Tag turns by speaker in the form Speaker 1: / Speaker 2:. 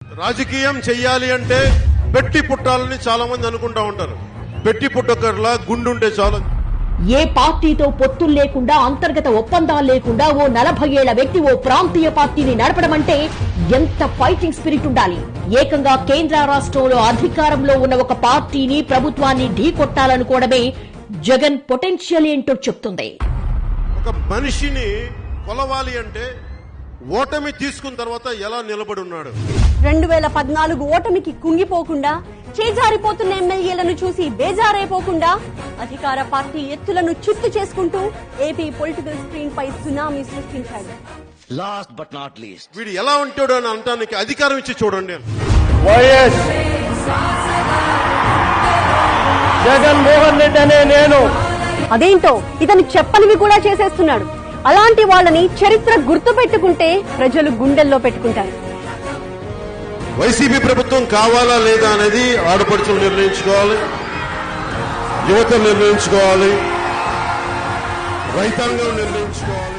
Speaker 1: రాజకీయం చెయ్యాలి అంటే పెట్టి పుట్టాలని చాలా మంది అనుకుంటా ఉంటారు. పెట్టి పుట్టకర్లా గుండుంటే చాలు.
Speaker 2: ఏ పార్టీతో పొత్తులు లేకుండా, అంతర్గత ఒప్పందాలు లేకుండా ఓ 40 ఏళ్ల వ్యక్తి ఓ ప్రాంతీయ పార్టీని నడపడం అంటే ఎంత ఫైటింగ్ స్పిరిట్ ఉండాలి. ఏకంగా కేంద్ర రాష్ట్రంలో అధికారంలో ఉన్న ఒక పార్టీని, ప్రభుత్వాన్ని ఢీకొట్టాలనుకోవడమే జగన్ పొటెన్షియల్ ఏంటో చెప్తుంది.
Speaker 1: ఒక మనిషిని కొలవాలి అంటే ఓటమి తీసుకున్న తర్వాత ఎలా నిలబడి ఉన్నాడు.
Speaker 3: 2014 ఓటమికి కుంగిపోకుండా, చేజారిపోతున్న ఎమ్మెల్యేలను చూసి బేజారైపోకుండా, అధికార పార్టీ ఎత్తులను చిత్తు చేసుకుంటూ ఏపీ పొలిటికల్ స్క్రీన్ పై సునామీ సృష్టించాడు.
Speaker 4: లాస్ట్ బట్ నాట్ లీస్ట్,
Speaker 1: వీడు ఎలా ఉంటాడు అని అంటానికి అధికారం ఇచ్చి చూడండి.
Speaker 5: వైఎస్ జగన్మోహన్ రెడ్డి అనే నేను
Speaker 3: అదేంటో ఇతను చెప్పనివి కూడా చేసేస్తున్నాడు. అలాంటి వాళ్ళని చరిత్ర గుర్తు పెట్టుకుంటే ప్రజలు గుండెల్లో పెట్టుకుంటారు.
Speaker 1: వైసీపీ ప్రభుత్వం కావాలా లేదా అనేది ఆడపడుచులు నిర్ణయించుకోవాలి, యువత నిర్ణయించుకోవాలి, రైతాంగం నిర్ణయించుకోవాలి.